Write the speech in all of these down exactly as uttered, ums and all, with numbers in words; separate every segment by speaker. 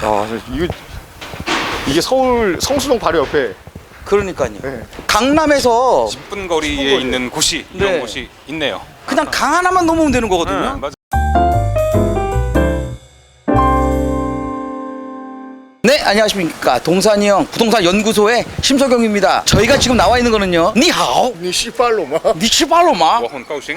Speaker 1: 아, 이거 이게 서울 성수동 바로 옆에.
Speaker 2: 그러니까요.
Speaker 1: 네.
Speaker 2: 강남에서
Speaker 3: 십 분 거리에
Speaker 1: 십 분 거리.
Speaker 3: 있는 곳이 이런
Speaker 2: 네.
Speaker 3: 곳이 있네요.
Speaker 2: 그냥 강 하나만 넘으면 되는 거거든요.
Speaker 3: 네, 맞아.
Speaker 2: 네, 안녕하십니까. 동산이형 부동산 연구소의 심석영입니다. 저희가 지금 나와 있는 거는요. 니하오.
Speaker 1: 니 씨발로마.
Speaker 2: 니치발로마.
Speaker 3: 워헌 까우싱.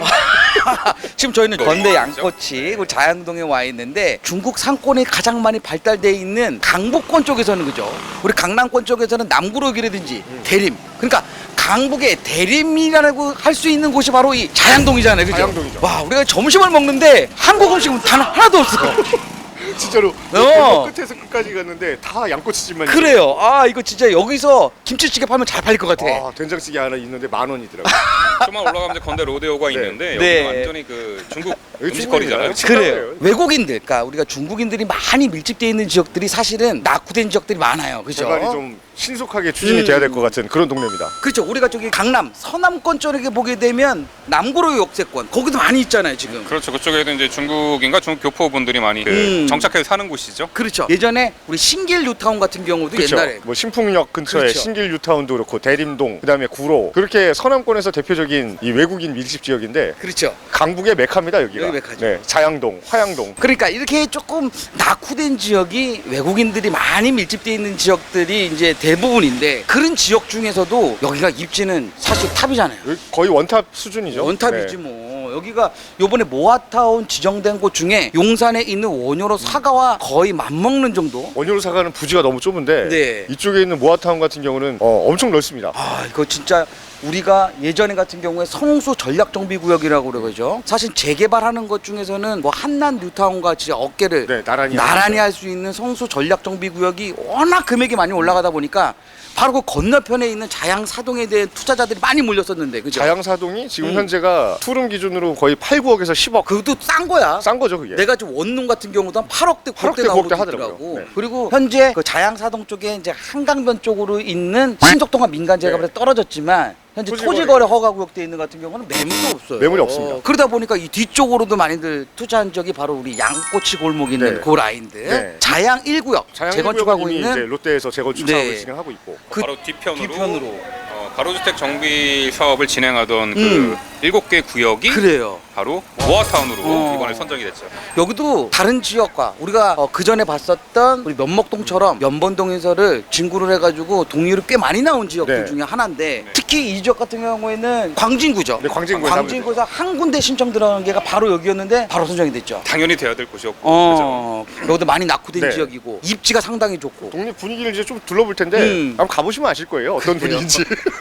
Speaker 2: 지금 저희는 건대 양꼬치 그 자양동에 와 있는데 중국 상권이 가장 많이 발달되어 있는 강북권 쪽에서는 그죠. 우리 강남권 쪽에서는 남구로역이라든지 대림. 그러니까 강북의 대림이라고 할 수 있는 곳이 바로 이 자양동이잖아요. 그죠?
Speaker 1: 자양동이죠.
Speaker 2: 와, 우리가 점심을 먹는데 한국 음식은 단 하나도 없어.
Speaker 1: 진짜로
Speaker 2: 어.
Speaker 1: 끝에서 끝까지 갔는데 다 양꼬치집만.
Speaker 2: 그래요. 아, 이거 진짜 여기서 김치찌개 팔면 잘 팔릴 것 같아.
Speaker 1: 아, 된장찌개 하나 있는데 만 원이더라고.
Speaker 3: 좀만 올라가면 이제 건대 로데오가
Speaker 1: 네.
Speaker 3: 있는데 여기
Speaker 2: 네.
Speaker 3: 완전히 그 중국
Speaker 1: 여기
Speaker 3: 음식거리잖아요.
Speaker 1: 중국이잖아요.
Speaker 2: 그래요. 외국인들, 그러니까 우리가 중국인들이 많이 밀집되어 있는 지역들이 사실은 낙후된 지역들이 많아요. 그죠?
Speaker 1: 개발이 좀 신속하게 추진이
Speaker 2: 음.
Speaker 1: 돼야 될 것 같은 그런 동네입니다.
Speaker 2: 그렇죠. 우리가 저기 강남, 서남권 쪽에 보게 되면 남구로 역세권 거기도 많이 있잖아요, 지금.
Speaker 3: 그렇죠. 그쪽에도 이제 중국인가 중국 교포 분들이 많이 그
Speaker 2: 음.
Speaker 3: 정착해서 사는 곳이죠.
Speaker 2: 그렇죠. 예전에 우리 신길 뉴타운 같은 경우도
Speaker 1: 그렇죠.
Speaker 2: 옛날에
Speaker 1: 뭐 신풍역 근처에
Speaker 2: 그렇죠.
Speaker 1: 신길 뉴타운도 그렇고 대림동, 그다음에 구로, 그렇게 서남권에서 대표적인 이 외국인 밀집 지역인데
Speaker 2: 그렇죠.
Speaker 1: 강북의 메카입니다, 여기가.
Speaker 2: 여기 메카죠.
Speaker 1: 네, 자양동, 화양동.
Speaker 2: 그러니까 이렇게 조금 낙후된 지역이 외국인들이 많이 밀집되어 있는 지역들이 이제 대부분인데 그런 지역 중에서도 여기가 입지는 사실 탑이잖아요.
Speaker 1: 여기 거의 원탑 수준이죠.
Speaker 2: 원탑이지
Speaker 1: 네.
Speaker 2: 뭐. 여기가 요번에 모아타운 지정된 곳 중에 용산에 있는 원효로 사과와 거의 맞먹는 정도?
Speaker 1: 원효로 사가는 부지가 너무 좁은데
Speaker 2: 네.
Speaker 1: 이쪽에 있는 모아타운 같은 경우는 어, 엄청 넓습니다.
Speaker 2: 아, 이거 진짜 우리가 예전에 같은 경우에 성수 전략정비구역이라고 그러죠. 사실 재개발하는 것 중에서는 뭐 한남 뉴타운 같이 어깨를
Speaker 1: 네, 나란히
Speaker 2: 나란히 할 수 있는 성수 전략정비구역이 워낙 금액이 많이 올라가다 보니까 바로 그 건너편에 있는 자양사동에 대한 투자자들이 많이 몰렸었는데, 그죠?
Speaker 1: 자양사동이 지금
Speaker 2: 음.
Speaker 1: 현재가 투룸 기준으로 거의 팔, 구억에서 십억.
Speaker 2: 그것도 싼 거야.
Speaker 1: 싼 거죠, 그게.
Speaker 2: 내가 지금 원룸 같은 경우도 한 팔억대,
Speaker 1: 팔억대,
Speaker 2: 구억대 나오고
Speaker 1: 구억대
Speaker 2: 있더라고.
Speaker 1: 하더라고요. 네.
Speaker 2: 그리고 현재 그 자양사동 쪽에 이제 한강변 쪽으로 있는 신속동과 민간제가
Speaker 1: 네.
Speaker 2: 떨어졌지만 현재
Speaker 1: 토지거래.
Speaker 2: 토지거래 허가구역돼 있는 같은 경우는 매물도 없어요.
Speaker 1: 매물이 없습니다.
Speaker 2: 그러다 보니까 이 뒤쪽으로도 많이들 투자한 적이 바로 우리 양꼬치 골목 있는
Speaker 1: 네.
Speaker 2: 그 라인들.
Speaker 1: 네.
Speaker 2: 자양 일 구역
Speaker 1: 자양
Speaker 2: 재건축하고
Speaker 1: 이제
Speaker 2: 있는
Speaker 1: 롯데에서 재건축
Speaker 2: 네.
Speaker 1: 사업을 진행하고 있고.
Speaker 2: 그
Speaker 3: 바로 뒤편으로,
Speaker 2: 뒤편으로.
Speaker 3: 어, 가로주택 정비 사업을 진행하던 그
Speaker 2: 음.
Speaker 3: 일곱 개 구역이
Speaker 2: 그래요.
Speaker 3: 바로 모아타운으로
Speaker 2: 어.
Speaker 3: 이번에 선정이 됐죠.
Speaker 2: 여기도 다른 지역과 우리가 어, 그 전에 봤었던 우리 면목동처럼 연번동에서를 진구를 해가지고 동률이 꽤 많이 나온 지역들
Speaker 1: 네.
Speaker 2: 중에 하나인데 특히 이 지역 같은 경우에는 광진구죠.
Speaker 1: 네, 광진구에
Speaker 2: 광진구에서 한 군데 신청 들어간 게가 바로 여기였는데 바로 선정이 됐죠.
Speaker 3: 당연히 돼야 될 곳이었고.
Speaker 2: 어, 여기도 많이 낙후된
Speaker 1: 네.
Speaker 2: 지역이고 입지가 상당히 좋고
Speaker 1: 동네 분위기를 이제 좀 둘러볼 텐데
Speaker 2: 음.
Speaker 1: 한번 가보시면 아실 거예요. 어떤
Speaker 2: 그래요?
Speaker 1: 분위기인지.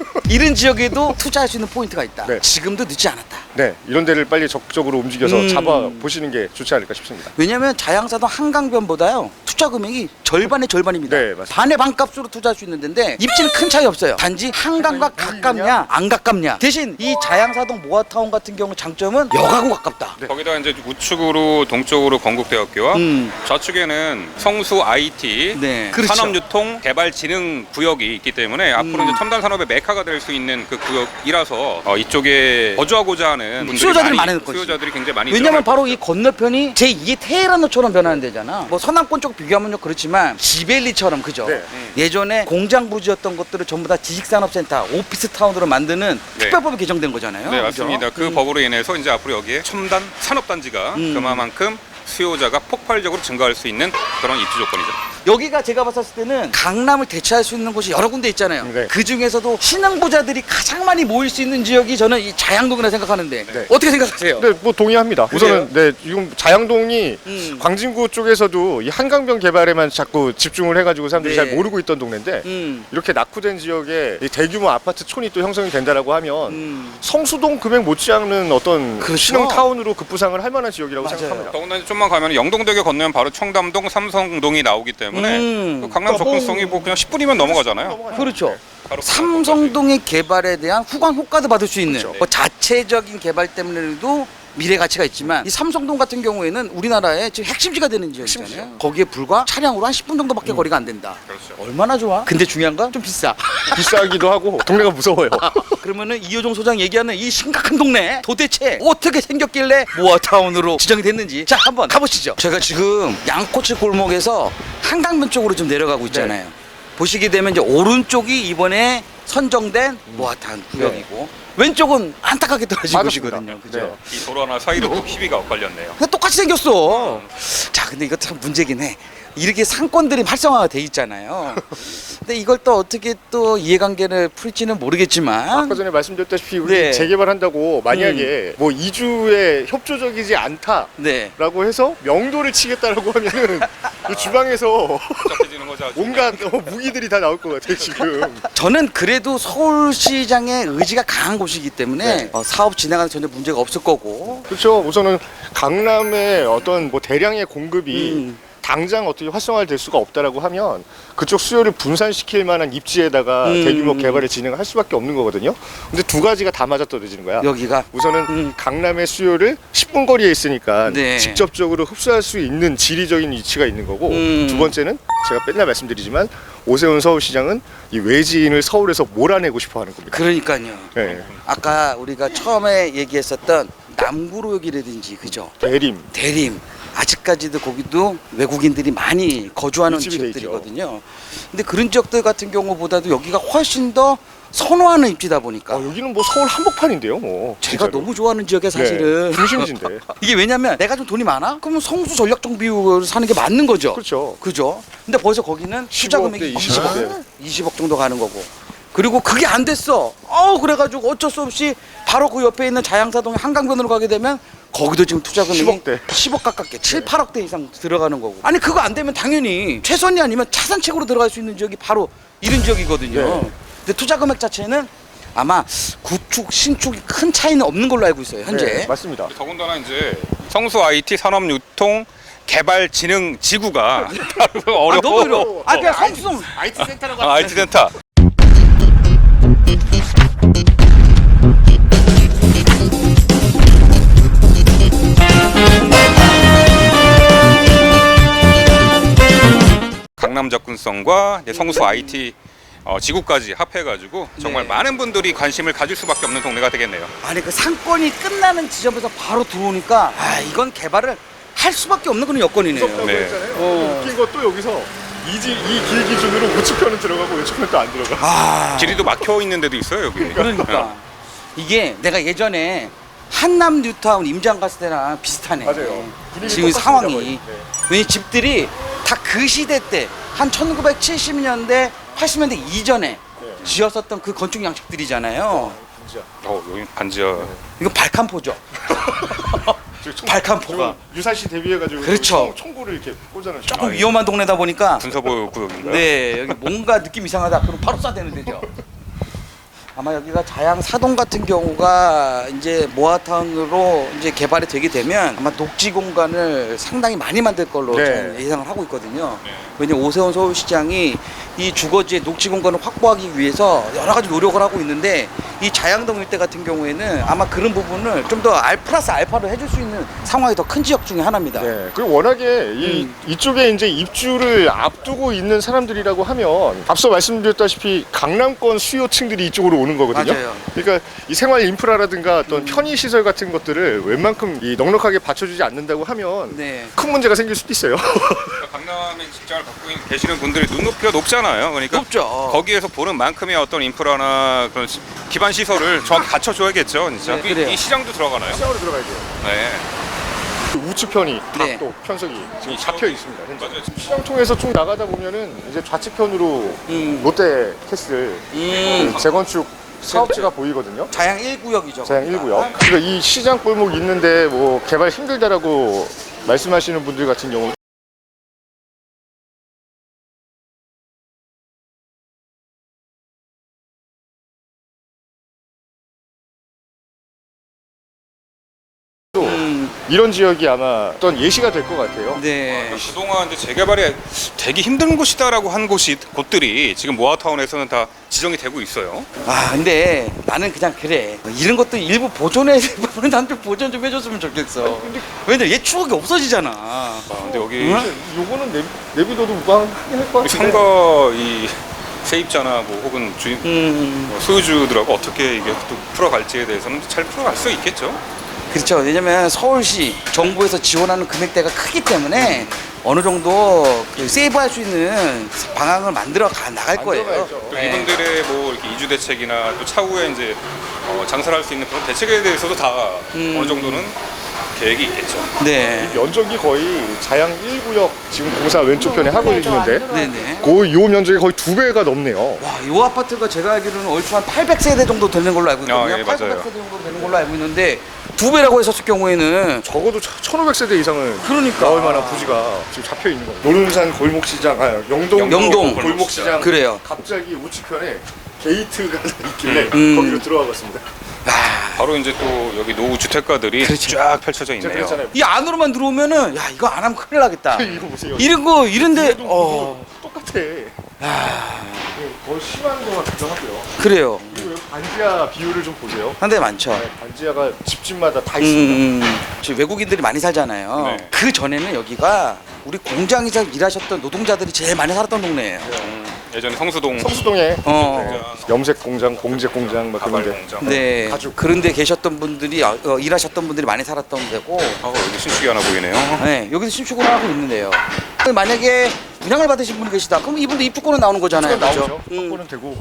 Speaker 2: 이런 지역에도 투자할 수 있는 포인트가 있다.
Speaker 1: 네.
Speaker 2: 지금도 늦지 않았다.
Speaker 1: 네, 이런 데를 빨리 적극적으로 움직여서
Speaker 2: 음.
Speaker 1: 잡아 보시는 게 좋지 않을까 싶습니다.
Speaker 2: 왜냐면 자양사동 한강변보다요 투자 금액이 절반의 절반입니다.
Speaker 1: 네, 맞습니다.
Speaker 2: 반의 반값으로 투자할 수 있는 데인데 입지는 큰 차이 없어요. 단지 한강과 가깝냐 안 가깝냐. 대신 이 자양사동 모아타운 같은 경우 장점은 역하고 가깝다.
Speaker 1: 네.
Speaker 3: 거기다 이제 우측으로 동쪽으로 건국대학교와
Speaker 2: 음.
Speaker 3: 좌측에는 성수 아이티
Speaker 2: 네. 그렇죠.
Speaker 3: 산업유통 개발진흥 구역이 있기 때문에 앞으로
Speaker 2: 음.
Speaker 3: 이제 첨단 산업의 메카가 될 수 있는 그 구역이라서 어, 이쪽에 거주하고자 하는 분들이
Speaker 2: 수요자들이
Speaker 3: 많이,
Speaker 2: 많을 것이지.
Speaker 3: 수요자들이 굉장히 많이
Speaker 2: 왜냐면
Speaker 3: 늘어날
Speaker 2: 바로 이 건너편이 제이의 테헤란처럼 변하는 데잖아. 뭐 서남권 쪽 비교하면 좀 그렇지만 지벨리처럼 그죠.
Speaker 1: 네.
Speaker 3: 음.
Speaker 2: 예전에 공장 부지였던 것들을 전부 다 지식산업센터, 오피스타운으로 만드는
Speaker 3: 네.
Speaker 2: 특별법이 개정된 거잖아요.
Speaker 3: 네,
Speaker 2: 그죠?
Speaker 3: 맞습니다. 그
Speaker 2: 음.
Speaker 3: 법으로 인해서 이제 앞으로 여기에 첨단 산업단지가
Speaker 2: 음.
Speaker 3: 그만큼 수요자가 폭발적으로 증가할 수 있는 그런 입지 조건이죠.
Speaker 2: 여기가 제가 봤을 때는 강남을 대체할 수 있는 곳이 여러 군데 있잖아요.
Speaker 1: 네.
Speaker 2: 그 중에서도 신흥부자들이 가장 많이 모일 수 있는 지역이 저는 이 자양동이라 생각하는데
Speaker 1: 네.
Speaker 2: 어떻게 생각하세요?
Speaker 1: 네, 뭐 동의합니다. 우선은 네, 지금 자양동이
Speaker 2: 음.
Speaker 1: 광진구 쪽에서도 이 한강변 개발에만 자꾸 집중을 해가지고 사람들이
Speaker 2: 네.
Speaker 1: 잘 모르고 있던 동네인데
Speaker 2: 음.
Speaker 1: 이렇게 낙후된 지역에 이 대규모 아파트 촌이 또 형성이 된다라고 하면
Speaker 2: 음.
Speaker 1: 성수동 금액 못지않는 어떤
Speaker 2: 그렇죠.
Speaker 1: 신흥 타운으로 급부상을 할 만한 지역이라고
Speaker 2: 맞아요.
Speaker 1: 생각합니다.
Speaker 3: 더군다나 좀만 가면 영동대교 건너면 바로 청담동, 삼성동이 나오기 때문에
Speaker 2: 음.
Speaker 3: 그 강남 접근성이 뭐 그냥 십 분이면 넘어가잖아요.
Speaker 2: 그렇죠.
Speaker 3: 바로
Speaker 2: 삼성동의 개발에 대한 후광 효과도 받을 수 있는
Speaker 1: 그렇죠.
Speaker 2: 뭐 자체적인 개발 때문에도 미래 가치가 있지만 이 삼성동 같은 경우에는 우리나라의 지금 핵심지가 되는 지역이잖아요. 거기에 불과 차량으로 한 십 분 정도밖에
Speaker 1: 음.
Speaker 2: 거리가 안 된다.
Speaker 3: 그렇죠.
Speaker 2: 얼마나 좋아? 근데 중요한 건 좀 비싸.
Speaker 1: 비싸기도 하고 동네가 무서워요.
Speaker 2: 그러면은 이효종 소장 얘기하는 이 심각한 동네 도대체 어떻게 생겼길래 모아타운으로 지정이 됐는지 자 한번 가보시죠. 제가 지금 양꼬치 골목에서 한강변 쪽으로 좀 내려가고 있잖아요. 보시게 되면 이제 오른쪽이 이번에 선정된 모아타운 구역이고 왼쪽은 안타깝게 떨어진
Speaker 1: 맞았습니다.
Speaker 2: 곳이거든요. 그죠?
Speaker 1: 네.
Speaker 3: 이 도로 하나 사이로 또 희비가 엇갈렸네요.
Speaker 2: 그냥 똑같이 생겼어. 자, 근데 이거 참 문제긴 해. 이렇게 상권들이 활성화가 돼 있잖아요. 근데 이걸 또 어떻게 또 이해관계를 풀지는 모르겠지만
Speaker 1: 아까 전에 말씀드렸다시피 우리
Speaker 2: 네.
Speaker 1: 재개발한다고 만약에 뭐 이주에 협조적이지 않다라고
Speaker 2: 네.
Speaker 1: 해서 명도를 치겠다라고 하면은 이 주방에서
Speaker 3: 복잡해지는 거죠. 아주.
Speaker 1: 온갖 어, 무기들이 다 나올 것 같아요 지금.
Speaker 2: 저는 그래도 서울시장의 의지가 강한 곳이기 때문에
Speaker 1: 네.
Speaker 2: 어, 사업 진행하는 전혀 문제가 없을 거고.
Speaker 1: 그렇죠. 우선은 강남의 어떤 뭐 대량의 공급이
Speaker 2: 음.
Speaker 1: 당장 어떻게 활성화될 수가 없다라고 하면 그쪽 수요를 분산시킬 만한 입지에다가
Speaker 2: 음.
Speaker 1: 대규모 개발을 진행할 수밖에 없는 거거든요. 근데 두 가지가 다 맞아떨어지는 거야.
Speaker 2: 여기가
Speaker 1: 우선은
Speaker 2: 음.
Speaker 1: 강남의 수요를 십 분 거리에 있으니까
Speaker 2: 네.
Speaker 1: 직접적으로 흡수할 수 있는 지리적인 위치가 있는 거고
Speaker 2: 음.
Speaker 1: 두 번째는 제가 맨날 말씀드리지만 오세훈 서울시장은 이 외지인을 서울에서 몰아내고 싶어 하는 겁니다.
Speaker 2: 그러니까요.
Speaker 1: 네.
Speaker 2: 아까 우리가 처음에 얘기했었던 남구로역이라든지 그죠?
Speaker 1: 대림.
Speaker 2: 대림 아직까지도 거기도 외국인들이 많이 거주하는
Speaker 1: 밀집이 돼
Speaker 2: 지역들이거든요. 근데 그런 지역들 같은 경우보다도 여기가 훨씬 더 선호하는 입지다 보니까
Speaker 1: 어, 여기는 뭐 서울 한복판인데요, 뭐.
Speaker 2: 제가
Speaker 1: 진짜로.
Speaker 2: 너무 좋아하는 지역에 사실은
Speaker 1: 네, 중심지인데.
Speaker 2: 이게 왜냐면 내가 좀 돈이 많아? 그러면 성수 전략적 비율을 사는 게 맞는 거죠.
Speaker 1: 그렇죠.
Speaker 2: 그죠? 근데 벌써 거기는 투자
Speaker 1: 십오억
Speaker 2: 금액이
Speaker 1: 대
Speaker 2: 이십억,
Speaker 1: 이십억 대.
Speaker 2: 이십억 정도 가는 거고. 그리고 그게 안 됐어. 어 그래가지고 어쩔 수 없이 바로 그 옆에 있는 자양사동의 한강변으로 가게 되면 거기도 지금 투자 금액이
Speaker 1: 십억 대.
Speaker 2: 십억 가깝게 칠, 팔억 대 이상 들어가는 거고. 아니 그거 안 되면 당연히 최선이 아니면 차산책으로 들어갈 수 있는 지역이 바로 이런 지역이거든요.
Speaker 1: 네.
Speaker 2: 근데 투자 금액 자체는 아마 구축, 신축이 큰 차이는 없는 걸로 알고 있어요. 현재.
Speaker 1: 네, 맞습니다.
Speaker 3: 더군다나 이제 성수 아이티 산업유통 개발진흥지구가 어려워.
Speaker 2: 아 너무 어려워. 아 그냥 성수
Speaker 1: 아이티 센터라고
Speaker 3: 아, 아이티 센터. 강남 접근성과 이제 성수 아이티 어, 지구까지 합해가지고 정말
Speaker 2: 네.
Speaker 3: 많은 분들이 관심을 가질 수밖에 없는 동네가 되겠네요.
Speaker 2: 아니 그 상권이 끝나는 지점에서 바로 들어오니까 아 이건 개발을 할 수밖에 없는 그런 여건이네요.
Speaker 1: 무섭다고
Speaker 3: 네.
Speaker 1: 했잖아요.
Speaker 2: 어.
Speaker 1: 웃긴 거 또 여기서 이지 이 길 기준으로 우측편은 들어가고 왼쪽편은 또 안 들어가.
Speaker 2: 아
Speaker 3: 길이도 막혀 있는 데도 있어요 여기.
Speaker 2: 그러니까 이게 내가 예전에 한남 뉴타운 임장 갔을 때랑 비슷하네.
Speaker 1: 맞아요. 분위기
Speaker 2: 지금
Speaker 1: 똑같습니다,
Speaker 2: 상황이
Speaker 1: 거의. 네.
Speaker 2: 왜냐 집들이 다 그 시대 때 한 천구백칠십 년대 팔십 년대 이전에
Speaker 1: 네.
Speaker 2: 지었었던 그 건축 양식들이잖아요.
Speaker 1: 진짜.
Speaker 3: 어 여기 반지하.
Speaker 2: 이거 발칸포죠.
Speaker 1: 저 총-
Speaker 2: 발칸포가.
Speaker 1: 저 유사시 대비해가지고
Speaker 2: 그렇죠.
Speaker 1: 총, 총구를 이렇게 꽂아놓으
Speaker 2: 조금 위험한 동네다 보니까
Speaker 3: 군사보호 구역인가요?
Speaker 2: 네 여기 뭔가 느낌 이상하다 그럼 바로 쏴대는 데죠. 아마 여기가 자양 사동 같은 경우가 이제 모아타운으로 이제 개발이 되게 되면 아마 녹지 공간을 상당히 많이 만들 걸로
Speaker 1: 네.
Speaker 2: 저는 예상을 하고 있거든요.
Speaker 3: 네.
Speaker 2: 왜냐면 오세훈 서울시장이 이 주거지의 녹지 공간을 확보하기 위해서 여러 가지 노력을 하고 있는데 이 자양동 일대 같은 경우에는 아마 그런 부분을 좀 더 알 플러스 알파로 해줄 수 있는 상황이 더 큰 지역 중에 하나입니다.
Speaker 1: 네. 그리고 워낙에 이
Speaker 2: 음.
Speaker 1: 이쪽에 이제 입주를 앞두고 있는 사람들이라고 하면 앞서 말씀드렸다시피 강남권 수요층들이 이쪽으로 오는 거거든요.
Speaker 2: 맞아요.
Speaker 1: 그러니까 이 생활 인프라라든가 어떤
Speaker 2: 음.
Speaker 1: 편의 시설 같은 것들을 웬만큼 이 넉넉하게 받쳐주지 않는다고 하면
Speaker 2: 네.
Speaker 1: 큰 문제가 생길 수도 있어요.
Speaker 3: 그러니까 강남에 직장을 갖고 있는- 계시는 분들이 눈높이가 높잖아요. 그러니까
Speaker 2: 높죠.
Speaker 3: 거기에서 보는 만큼의 어떤 인프라나 그런 시- 기반 시설을 정확히 갖춰줘야겠죠, 진짜.
Speaker 2: 네, 그래요.
Speaker 3: 이, 이 시장도 들어가나요?
Speaker 1: 시장으로 들어가야 돼요.
Speaker 3: 네.
Speaker 1: 우측편이
Speaker 2: 네.
Speaker 1: 각도 편석이 지금
Speaker 3: 이
Speaker 1: 잡혀 있습니다. 현재.
Speaker 3: 맞아요.
Speaker 1: 시장 통해서 쭉 나가다 보면은 이제 좌측편으로
Speaker 2: 음.
Speaker 1: 롯데 캐슬
Speaker 2: 음.
Speaker 1: 그 재건축 사업지가 보이거든요.
Speaker 2: 자양 일 구역이죠.
Speaker 1: 자양 일 구역. 그러니까 이 시장 골목 있는데 뭐 개발 힘들다라고 말씀하시는 분들 같은 경우
Speaker 2: 음.
Speaker 1: 이런 지역이 아마 어떤 예시가 될 것 같아요.
Speaker 2: 네.
Speaker 3: 그동안 이제 재개발이 되기 힘든 곳이다라고 한 곳이 곳들이 지금 모아타운에서는 다 지정이 되고 있어요.
Speaker 2: 아 근데 나는 그냥 그래 이런 것도 일부 보존해 나한테 보존 좀 해줬으면 좋겠어. 왜냐면 얘 추억이 없어지잖아.
Speaker 3: 아, 근데 여기
Speaker 2: 응?
Speaker 1: 요거는 내, 내비둬도 무방하긴 할 것
Speaker 3: 우리
Speaker 1: 같은데.
Speaker 3: 상가 이 세입자나 뭐 혹은 주인
Speaker 2: 음
Speaker 3: 뭐 소유주들하고 어떻게 이게 또 풀어갈지에 대해서는 잘 풀어갈 수 있겠죠.
Speaker 2: 그렇죠. 왜냐면 서울시 정부에서 지원하는 금액대가 크기 때문에 어느 정도 그 세이브할 수 있는 방향을 만들어 가 나갈 거예요.
Speaker 1: 만들어가야죠.
Speaker 3: 또
Speaker 2: 네.
Speaker 3: 이분들의 뭐 이렇게 이주 대책이나 또 차후에 이제 어, 장사를 할 수 있는 그런 대책에 대해서도 다
Speaker 2: 음.
Speaker 3: 어느 정도는 계획이 있겠죠.
Speaker 2: 네.
Speaker 1: 면적이 거의 자양 일 구역 지금 공사 왼쪽 편에 하고 있는데
Speaker 2: 네네.
Speaker 1: 그 요 면적이 거의 두 배가 넘네요.
Speaker 2: 와, 이 아파트가 제가 알기로는 얼추 한 팔백 세대 정도 되는 걸로 알고 있거든요.
Speaker 3: 아, 예,
Speaker 2: 팔백
Speaker 3: 맞아요.
Speaker 2: 세대 정도 되는 걸로 알고 있는데 두 배라고 했었을 경우에는
Speaker 1: 적어도 천오백 세대 이상은
Speaker 2: 그러니까.
Speaker 1: 나올 만한 부지가 지금 잡혀 있는 거예요. 노른산 골목시장, 아 영동,
Speaker 2: 영동
Speaker 1: 골목시장.
Speaker 2: 그래요.
Speaker 1: 갑자기 우측편에 게이트가 있길래
Speaker 2: 음.
Speaker 1: 거기로 들어가봤습니다.
Speaker 3: 바로 이제 또 여기 노후 주택가들이
Speaker 2: 그렇죠.
Speaker 3: 쫙 펼쳐져
Speaker 1: 제가
Speaker 3: 있네요.
Speaker 1: 그랬잖아요.
Speaker 2: 이 안으로만 들어오면은 야 이거 안 하면 큰일 나겠다.
Speaker 1: 이거 보세요.
Speaker 2: 이런 거 이런데
Speaker 1: 얘도
Speaker 2: 어
Speaker 1: 똑같아.
Speaker 2: 아,
Speaker 1: 더 심한 거 같기도 하고요.
Speaker 2: 그래요.
Speaker 1: 그리고 여기 반지하 비율을 좀 보세요.
Speaker 2: 한 대 많죠.
Speaker 1: 네, 반지하가 집집마다 다 있습니다.
Speaker 2: 음, 음. 지금 외국인들이 많이 살잖아요.
Speaker 3: 네.
Speaker 2: 그 전에는 여기가 우리 공장에서 일하셨던 노동자들이 제일 많이 살았던 동네예요.
Speaker 3: 음, 예전에 성수동
Speaker 1: 성수동에
Speaker 2: 어.
Speaker 3: 공장,
Speaker 1: 염색 공장, 공제 공장 막
Speaker 3: 가발
Speaker 1: 그런데
Speaker 3: 공장.
Speaker 2: 네.
Speaker 1: 가죽.
Speaker 2: 그런데 계셨던 분들이 어, 어, 일하셨던 분들이 많이 살았던 데고.
Speaker 3: 아, 여기 신축이 하나 보이네요.
Speaker 2: 네, 여기서 신축을 하고 있는데요. 만약에 분양을 받으신 분이 계시다. 그럼 이분도 입주권은 나오는 거잖아요.
Speaker 1: 나오죠.
Speaker 2: 그죠? 음.
Speaker 1: 확보는 되고.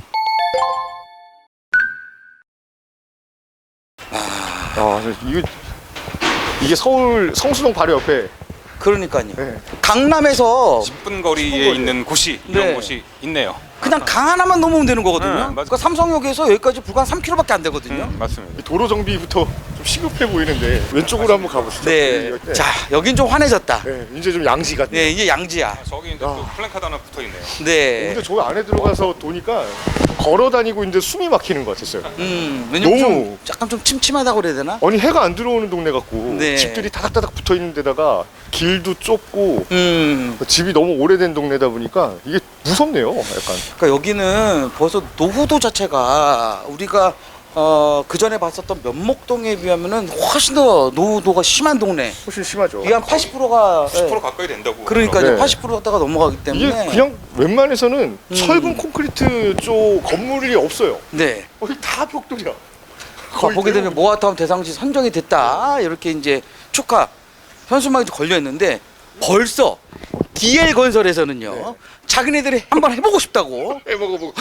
Speaker 1: 아, 이거 이게 서울 성수동 바로 옆에.
Speaker 2: 그러니까요.
Speaker 1: 네.
Speaker 2: 강남에서
Speaker 3: 십 분 거리에
Speaker 1: 십 분 거리에.
Speaker 3: 있는 곳이 이런
Speaker 2: 네.
Speaker 3: 곳이 있네요.
Speaker 2: 그냥 강 하나만 넘으면 되는 거거든요.
Speaker 3: 네, 맞아요.
Speaker 2: 그러니까 삼성역에서 여기까지 불과 한 삼 킬로미터밖에 안 되거든요.
Speaker 3: 음, 맞습니다.
Speaker 1: 도로 정비부터 좀 시급해 보이는데 왼쪽으로 한번 가보시죠.
Speaker 2: 네.
Speaker 1: 여기,
Speaker 2: 자, 여긴 좀 환해졌다.
Speaker 1: 네, 이제 좀 양지 같네.
Speaker 2: 네, 이게 양지야.
Speaker 3: 아, 저기 이제 또 플랜카드 하나 붙어 있네요.
Speaker 2: 네.
Speaker 1: 근데 저 안에 들어가서 도니까 걸어 다니고 있는데 숨이 막히는 것 같았어요.
Speaker 2: 음, 왜냐면
Speaker 1: 너무-
Speaker 2: 좀 약간 좀 침침하다고 그래야 되나?
Speaker 1: 아니 해가 안 들어오는 동네 같고
Speaker 2: 네.
Speaker 1: 집들이 다닥다닥 붙어 있는 데다가 길도 좁고
Speaker 2: 음.
Speaker 1: 집이 너무 오래된 동네다 보니까 이게 무섭네요. 약간.
Speaker 2: 그러니까 여기는 벌써 노후도 자체가 우리가 어, 그 전에 봤었던 면목동에 비하면은 훨씬 더 노후도가 심한 동네.
Speaker 1: 훨씬 심하죠.
Speaker 2: 이게 한 팔십 퍼센트가
Speaker 3: 십 퍼센트 가까이 된다고.
Speaker 2: 그러니까요.
Speaker 1: 네.
Speaker 2: 팔십 퍼센트 갔다가 넘어가기
Speaker 1: 이게
Speaker 2: 때문에
Speaker 1: 그냥 웬만해서는
Speaker 2: 음.
Speaker 1: 철근 콘크리트 쪽 건물이 없어요.
Speaker 2: 네.
Speaker 1: 거기 다 벽돌이야.
Speaker 2: 아,
Speaker 1: 거의
Speaker 2: 보게 되면
Speaker 1: 대부분.
Speaker 2: 모아타운 대상시 선정이 됐다 이렇게 이제 축하 현수막이 걸려 있는데 벌써 디엘 건설에서는요
Speaker 1: 네.
Speaker 2: 자기네들이 한번 해보고 싶다고
Speaker 1: 해먹어보고.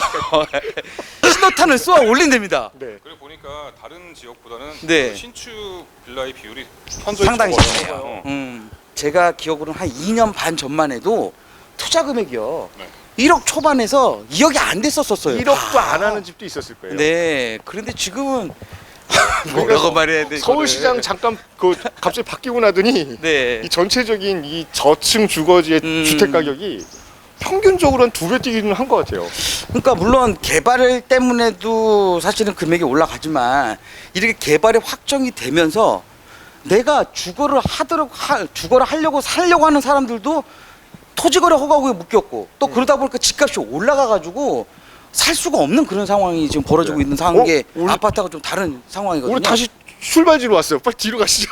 Speaker 2: 신호탄을 쏘아 올린답니다.
Speaker 1: 네.
Speaker 3: 그리고 보니까 다른 지역보다는
Speaker 2: 네.
Speaker 3: 그 신축 빌라의 비율이 현저히
Speaker 2: 상당히
Speaker 3: 적어요.
Speaker 2: 심해요.
Speaker 3: 어.
Speaker 2: 음, 제가 기억으로는 한 이 년 반 전만 해도 투자 금액이요
Speaker 3: 네.
Speaker 2: 일억 초반에서 이억이 안 됐었었어요.
Speaker 1: 일억도
Speaker 2: 다.
Speaker 1: 안 하는 집도 있었을 거예요.
Speaker 2: 네. 그런데 지금은 뭐라고 말해야 돼?
Speaker 1: 서울시장 잠깐 그 갑자기 바뀌고 나더니
Speaker 2: 네.
Speaker 1: 이 전체적인 이 저층 주거지의
Speaker 2: 음.
Speaker 1: 주택 가격이 평균적으로 한 두 배 뛰기는 한 것 같아요.
Speaker 2: 그러니까 물론 개발 때문에도 사실은 금액이 올라가지만 이렇게 개발이 확정이 되면서 내가 주거를 하도록 하, 주거를 하려고 살려고 하는 사람들도 토지거래 허가구에 묶였고 또 그러다 보니까 집값이 올라가가지고 살 수가 없는 그런 상황이 지금 벌어지고
Speaker 1: 네.
Speaker 2: 있는 상황에
Speaker 1: 어? 우리-
Speaker 2: 아파트가 좀 다른 상황이거든요.
Speaker 1: 우리 다시 출발지로 왔어요. 빨리 뒤로 가시죠.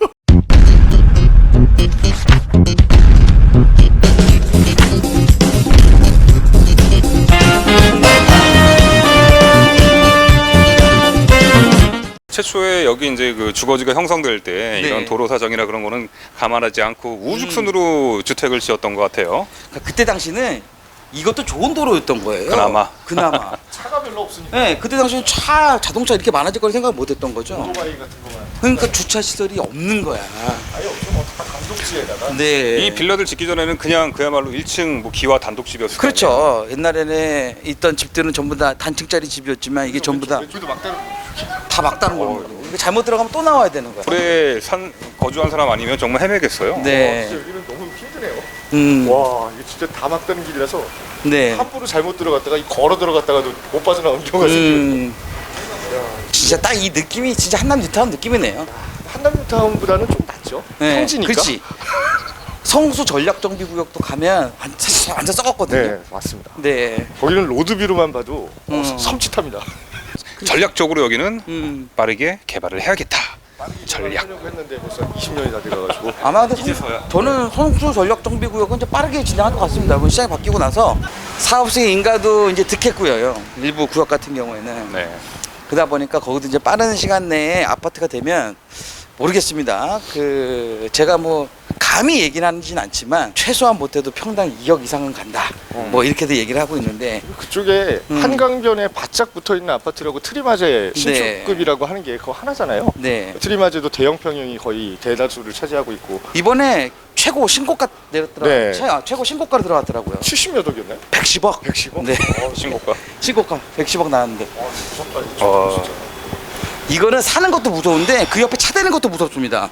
Speaker 3: 최초에 여기 이제 그 주거지가 형성될 때
Speaker 2: 네.
Speaker 3: 이런 도로 사정이나 그런 거는 감안하지 않고 우죽순으로 주택을 지었던 것 같아요.
Speaker 2: 그러니까 그때 당시는 이것도 좋은 도로였던 거예요.
Speaker 3: 그나마.
Speaker 2: 그나마.
Speaker 1: 차가 별로 없으니까
Speaker 2: 네, 그때 당시는 차 자동차 이렇게 많아질 거라 생각 못했던 거죠.
Speaker 1: 오토바이 같은 거만
Speaker 2: 그러니까 주차 시설이 없는 거야.
Speaker 1: 아예 없죠. 뭐 다 단독지에다가.
Speaker 2: 네.
Speaker 3: 이 빌라들 짓기 전에는 그냥 그야말로 일 층 뭐 기와 단독집이었을 거
Speaker 2: 그렇죠. 옛날에는 있던 집들은 전부 다 단층짜리 집이었지만 이게 전부 다 다
Speaker 1: 왼쪽도 막다른
Speaker 2: 막다른
Speaker 3: 어,
Speaker 2: 거예요. 이거 잘못 들어가면 또 나와야 되는 거야.
Speaker 3: 오래 산 거주한 사람 아니면 정말 헤매겠어요.
Speaker 2: 네.
Speaker 1: 진짜 여기는 너무 힘드네요.
Speaker 2: 음.
Speaker 1: 와 이게 진짜 다 막다른 길이라서
Speaker 2: 네.
Speaker 1: 함부로 잘못 들어갔다가 이 걸어 들어갔다가도 못 빠져나오는 경우가 생겨요.
Speaker 2: 음. 진짜 딱 이 느낌이 진짜 한남 뉴타운 느낌이네요.
Speaker 1: 한남뉴타운보다는 좀 낫죠.
Speaker 2: 네.
Speaker 1: 평지니까.
Speaker 2: 그렇지. 성수 전략정비구역도 가면 완전 완전 썩었거든요.
Speaker 1: 네, 맞습니다.
Speaker 2: 네.
Speaker 1: 거기는 로드뷰로만 봐도 어,
Speaker 2: 음.
Speaker 1: 섬찟합니다.
Speaker 3: 전략적으로 여기는
Speaker 2: 음.
Speaker 3: 빠르게 개발을 해야겠다. 전략.
Speaker 1: 하려고 했는데 벌써 이십 년이 다 돼가지고.
Speaker 2: 아마 근데
Speaker 3: 이제서야.
Speaker 2: 성- 저는 성수 전략정비구역은 이제 빠르게 진행할 것 같습니다. 이번 시장이 바뀌고 나서 사업수의 인가도 이제 득했고요. 일부 구역 같은 경우에는.
Speaker 3: 네.
Speaker 2: 그러다 보니까 거기도 이제 빠른 시간 내에 아파트가 되면 모르겠습니다. 그 제가 뭐 감히 얘기는 하진 않지만 최소한 못해도 평당 이억 이상은 간다.
Speaker 1: 음.
Speaker 2: 뭐 이렇게도 얘기를 하고 있는데
Speaker 1: 그쪽에
Speaker 2: 음.
Speaker 1: 한강변에 바짝 붙어있는 아파트라고 트리마제
Speaker 2: 네.
Speaker 1: 신축급이라고 하는 게 그거 하나잖아요.
Speaker 2: 네.
Speaker 1: 트리마제도 대형 평형이 거의 대다수를 차지하고 있고
Speaker 2: 이번에 최고 신고가 내렸더라고요.
Speaker 1: 네.
Speaker 2: 최, 아, 최고 신고가로 들어갔더라고요.
Speaker 1: 칠십몇 억이었나요?
Speaker 2: 백십억.
Speaker 1: 백십억?
Speaker 2: 네.
Speaker 1: 어,
Speaker 3: 신고가.
Speaker 2: 신고가 백십억 나왔는데
Speaker 1: 어, 무섭다 진짜.
Speaker 3: 어.
Speaker 1: 진짜.
Speaker 2: 이거는 사는 것도 무서운데 그 옆에 차 대는 것도 무섭습니다.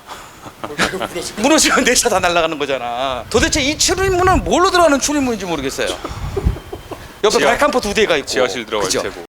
Speaker 2: 무너지면 내 차 다 날아가는 거잖아. 도대체 이 출입문은 뭘로 들어가는 출입문인지 모르겠어요. 옆에
Speaker 3: 지하-
Speaker 2: 발칸포 두 대가 있고.
Speaker 3: 지하실 들어갈
Speaker 2: 그죠?
Speaker 3: 테고.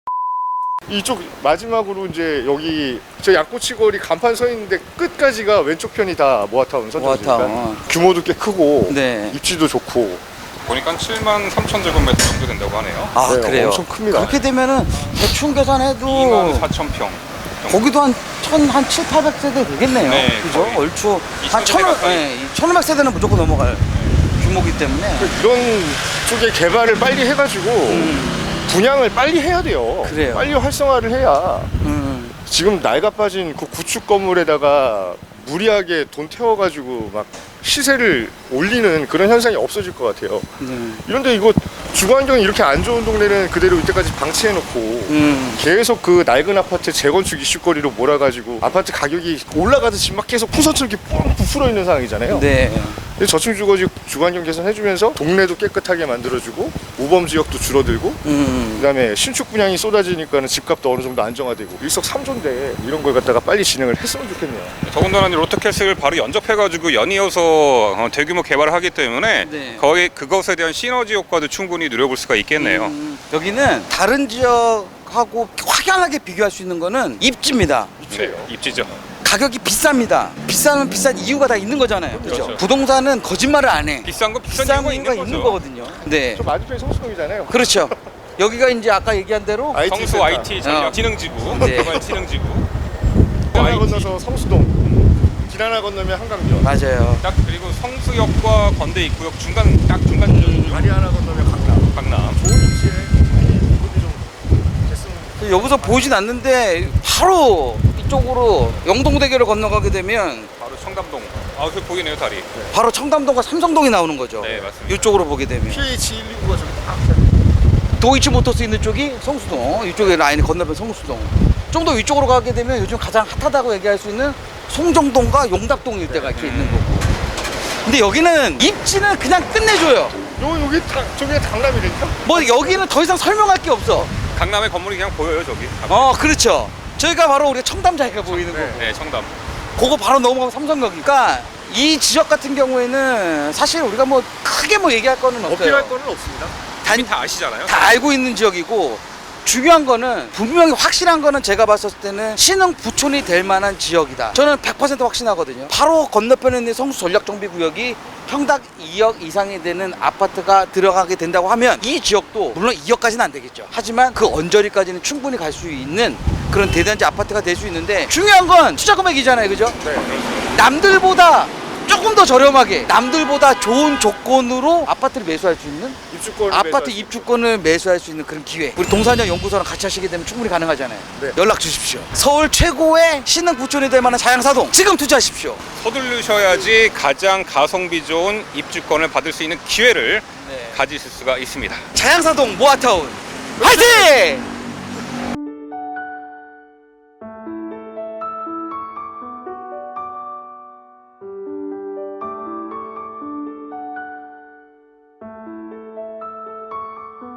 Speaker 1: 이쪽 마지막으로 이제 여기 저 양꼬치 거리 간판 서 있는데 끝까지가 왼쪽 편이 다 모아타운 선정지니까
Speaker 2: 모아타운.
Speaker 1: 규모도 꽤 크고
Speaker 2: 네.
Speaker 1: 입지도 좋고
Speaker 3: 보니까 칠만 삼천 제곱미터 정도 된다고 하네요.
Speaker 2: 아
Speaker 1: 네,
Speaker 2: 그래요.
Speaker 1: 엄청 큽니다.
Speaker 2: 그렇게 되면은 대충 계산해도
Speaker 3: 이만 사천 평.
Speaker 2: 거기도 한천한 칠팔백 세대 되겠네요.
Speaker 3: 네,
Speaker 2: 그죠?
Speaker 3: 거의
Speaker 2: 얼추 한
Speaker 3: 이천 세대
Speaker 2: 천오
Speaker 3: 가까이.
Speaker 2: 네, 천오백 세대는 무조건 넘어갈 규모기 때문에.
Speaker 1: 이런 쪽에 개발을 빨리 해가지고
Speaker 2: 음,
Speaker 1: 분양을 빨리 해야 돼요.
Speaker 2: 그래요.
Speaker 1: 빨리 활성화를 해야
Speaker 2: 음.
Speaker 1: 지금 낡아 빠진 그 구축 건물에다가 무리하게 돈 태워가지고 막 시세를 올리는 그런 현상이 없어질 것 같아요.
Speaker 2: 음.
Speaker 1: 이런데 이거 주거 환경이 이렇게 안 좋은 동네는 그대로 이때까지 방치해놓고
Speaker 2: 음.
Speaker 1: 계속 그 낡은 아파트 재건축 이슈거리로 몰아가지고 아파트 가격이 올라가듯이 막 계속 풍선처럼 이렇게 뻥 부풀어 있는 상황이잖아요.
Speaker 2: 네.
Speaker 1: 근데 저층 주거지 주거 환경 개선해주면서 동네도 깨끗하게 만들어주고 우범 지역도 줄어들고
Speaker 2: 음.
Speaker 1: 그다음에 신축 분양이 쏟아지니까는 집값도 어느 정도 안정화되고 일석삼조인데 이런 걸 갖다가 빨리 진행을 했으면 좋겠네요.
Speaker 3: 더군다나 이제 롯데캐슬을 바로 연접해가지고 연이어서 어, 대규모 개발을 하기 때문에
Speaker 2: 네.
Speaker 3: 거의 그것에 대한 시너지 효과도 충분히 누려볼 수가 있겠네요.
Speaker 2: 음, 여기는 다른 지역하고 확연하게 비교할 수 있는 거는 입지입니다.
Speaker 3: 네, 입지죠.
Speaker 2: 가격이 비쌉니다. 비싸면 비싼 이유가 다 있는 거잖아요. 그죠?
Speaker 3: 그렇죠.
Speaker 2: 부동산은 거짓말을 안 해.
Speaker 3: 비싼 거 비싼,
Speaker 2: 비싼
Speaker 3: 이유가
Speaker 2: 이유가
Speaker 3: 있는
Speaker 2: 있는
Speaker 3: 거죠.
Speaker 2: 거거든요. 네.
Speaker 1: 저 맞은편이 성수동이잖아요.
Speaker 2: 그렇죠. 여기가 이제 아까 얘기한 대로
Speaker 1: 아이티
Speaker 3: 성수
Speaker 1: 센터.
Speaker 3: 아이티 전략
Speaker 2: 어.
Speaker 3: 지능지구,
Speaker 2: 네.
Speaker 3: 개발 지능지구.
Speaker 1: 하나
Speaker 3: 아이티.
Speaker 1: 건너서 성수동, 길 하나 건너면 한강변,
Speaker 2: 맞아요.
Speaker 3: 딱 그리고 성수역과 건대 입구역 중간 딱 중간 지점이죠.
Speaker 1: 다리 하나 건너면 강남.
Speaker 3: 강남.
Speaker 1: 좋은 위치에 공급이 좀 됐으면.
Speaker 2: 여기서 보이진 않는데 바로 이쪽으로 영동대교를 건너가게 되면
Speaker 3: 바로 청담동. 아, 그 보이네요 다리.
Speaker 2: 바로 청담동과 삼성동이 나오는 거죠.
Speaker 3: 네, 맞습니다.
Speaker 2: 이쪽으로 보게 되면
Speaker 1: 피에이치 일이구가 저기 딱.
Speaker 2: 도이치모터스 있는 쪽이 성수동, 이쪽에 라인이 건너면 성수동. 좀 더 위쪽으로 가게 되면 요즘 가장 핫하다고 얘기할 수 있는 송정동과 용답동 일대가 이렇게 있는 거고. 근데 여기는 입지는 그냥 끝내줘요.
Speaker 1: 요 여기 다 저기가 강남이랬죠?
Speaker 2: 뭐 여기는 더 이상 설명할 게 없어.
Speaker 3: 강남의 건물이 그냥 보여요 저기.
Speaker 2: 어, 그렇죠. 저희가 바로 우리가 청담자리가 보이는
Speaker 1: 네.
Speaker 2: 거고.
Speaker 3: 네, 청담.
Speaker 2: 그거 바로 넘어가면 삼성역이니까 이 지역 같은 경우에는 사실 우리가 뭐 크게 뭐 얘기할 거는 없어요.
Speaker 1: 어필할 거는 없습니다.
Speaker 3: 이미 다 아시잖아요.
Speaker 2: 다 알고 있는 지역이고, 중요한 거는 분명히 확실한 거는 제가 봤을 때는 신흥 부촌이 될 만한 지역이다. 저는 백 퍼센트 확신하거든요. 바로 건너편에 있는 성수 전략정비구역이 평당 이억 이상이 되는 아파트가 들어가게 된다고 하면 이 지역도 물론 이억까지는 안 되겠죠. 하지만 그 언저리까지는 충분히 갈 수 있는 그런 대단지 아파트가 될 수 있는데, 중요한 건 투자 금액이잖아요. 그죠?
Speaker 1: 네.
Speaker 2: 남들보다 조금 더 저렴하게, 남들보다 좋은 조건으로 아파트를 매수할 수 있는,
Speaker 1: 입주권
Speaker 2: 아파트 입주권을 매수할 수 있는 그런 기회. 우리 동산역 연구소랑 같이 하시게 되면 충분히 가능하잖아요.
Speaker 1: 네.
Speaker 2: 연락 주십시오. 서울 최고의 신흥 부촌이 될 만한 자양사동 지금 투자하십시오.
Speaker 3: 서두르셔야지 가장 가성비 좋은 입주권을 받을 수 있는 기회를
Speaker 2: 네.
Speaker 3: 가지실 수가 있습니다.
Speaker 2: 자양사동 모아타운 화이팅!